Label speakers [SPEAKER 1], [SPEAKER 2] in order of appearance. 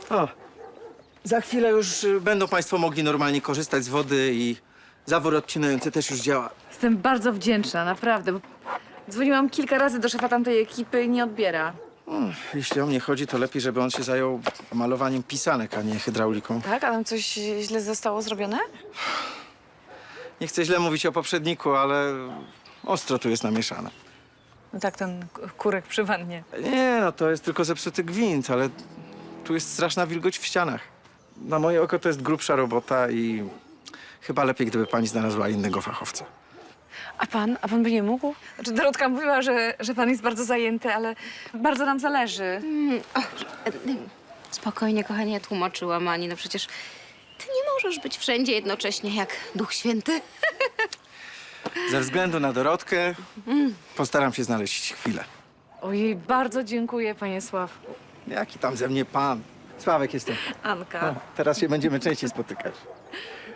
[SPEAKER 1] O, za chwilę już będą państwo mogli normalnie korzystać z wody i zawór odcinający też już działa.
[SPEAKER 2] Jestem bardzo wdzięczna, naprawdę. Bo dzwoniłam kilka razy do szefa tamtej ekipy i nie odbiera.
[SPEAKER 1] Jeśli o mnie chodzi, to lepiej, żeby on się zajął malowaniem pisanek, a nie hydrauliką.
[SPEAKER 2] Tak? A tam coś źle zostało zrobione?
[SPEAKER 1] Nie chcę źle mówić o poprzedniku, ale ostro tu jest namieszane.
[SPEAKER 2] No tak, ten kurek przy wannie.
[SPEAKER 1] Nie, no to jest tylko zepsuty gwint, ale tu jest straszna wilgoć w ścianach. Na moje oko to jest grubsza robota i chyba lepiej, gdyby pani znalazła innego fachowca.
[SPEAKER 2] A pan by nie mógł? Znaczy, Dorotka mówiła, że pan jest bardzo zajęty, ale bardzo nam zależy.
[SPEAKER 3] Spokojnie, kochanie, ja tłumaczyłam Ani. No przecież ty nie możesz być wszędzie jednocześnie jak Duch Święty.
[SPEAKER 1] Ze względu na Dorotkę postaram się znaleźć chwilę.
[SPEAKER 2] Ojej, bardzo dziękuję, panie Sławku.
[SPEAKER 1] Jaki tam ze mnie pan? Sławek jestem.
[SPEAKER 2] Anka.
[SPEAKER 1] Teraz się będziemy częściej spotykać.